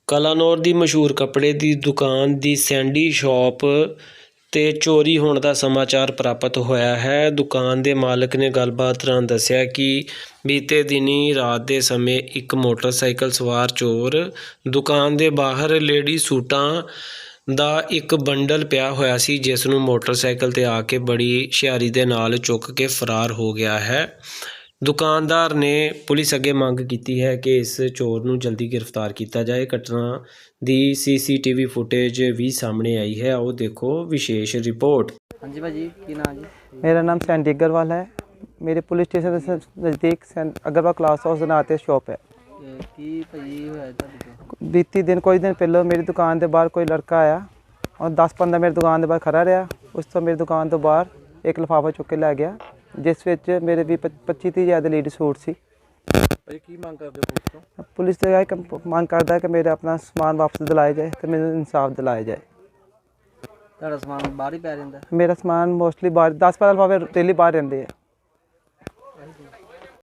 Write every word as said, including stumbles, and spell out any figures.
ਕਲਾਨੌਰ ਦੀ ਮਸ਼ਹੂਰ ਕੱਪੜੇ ਦੀ ਦੁਕਾਨ ਦੀ ਸੈਂਡੀ ਸ਼ਾਪ 'ਤੇ ਚੋਰੀ ਹੋਣ ਦਾ ਸਮਾਚਾਰ ਪ੍ਰਾਪਤ ਹੋਇਆ ਹੈ। ਦੁਕਾਨ ਦੇ ਮਾਲਕ ਨੇ ਗੱਲਬਾਤ ਦੌਰਾਨ ਦੱਸਿਆ ਕਿ ਬੀਤੇ ਦਿਨੀਂ ਰਾਤ ਦੇ ਸਮੇਂ ਇੱਕ ਮੋਟਰਸਾਈਕਲ ਸਵਾਰ ਚੋਰ ਦੁਕਾਨ ਦੇ ਬਾਹਰ ਲੇਡੀ ਸੂਟਾਂ ਦਾ ਇੱਕ ਬੰਡਲ ਪਿਆ ਹੋਇਆ ਸੀ, ਜਿਸ ਨੂੰ ਮੋਟਰਸਾਈਕਲ 'ਤੇ ਆ ਕੇ ਬੜੀ ਹੁਸ਼ਿਆਰੀ ਦੇ ਨਾਲ ਚੁੱਕ ਕੇ ਫਰਾਰ ਹੋ ਗਿਆ ਹੈ। ਦੁਕਾਨਦਾਰ ਨੇ ਪੁਲਿਸ ਅੱਗੇ ਮੰਗ ਕੀਤੀ ਹੈ ਕਿ ਇਸ ਚੋਰ ਨੂੰ ਜਲਦੀ ਗ੍ਰਿਫਤਾਰ ਕੀਤਾ ਜਾਏ। ਘਟਨਾ ਦੀ ਸੀ ਸੀ ਟੀ ਵੀ ਫੁਟੇਜ ਵੀ ਸਾਹਮਣੇ ਆਈ ਹੈ, ਆਓ ਦੇਖੋ ਵਿਸ਼ੇਸ਼ ਰਿਪੋर्ट। हाँ जी भाजी की नाम जी? मेरा नाम सैंडी अग्रवाल है। मेरे पुलिस स्टेशन से नज़दीक अग्रवाल क्लास हाउस नाते शॉप है। की भाजी होया तुहाडे कोल? बीती दिन कोई दिन पहले मेरी दुकान के बाहर कोई लड़का आया और दस पंद्रह मेरी दुकान के बाहर खड़ा रहा। उस तो मेरी दुकान तो बाहर एक लिफाफा चुक के लै गया, जिस विच मेरे भी पच्ची तीह हज़ार के लीड सूट सी। की मांग करदे हो पुलिस तो? पुलिस तो यह मांग करता है कि मेरा अपना समान वापस दिलाया जाए तो मेरे इंसाफ दिलाया जाए। ਤੁਹਾਡਾ ਸਮਾਨ ਬਾਹਰ ਹੀ ਪੈ ਜਾਂਦਾ? मेरा समान मोस्टली बाहर दस पंद्रह लिफाफे डेली बाहर रहते हैं।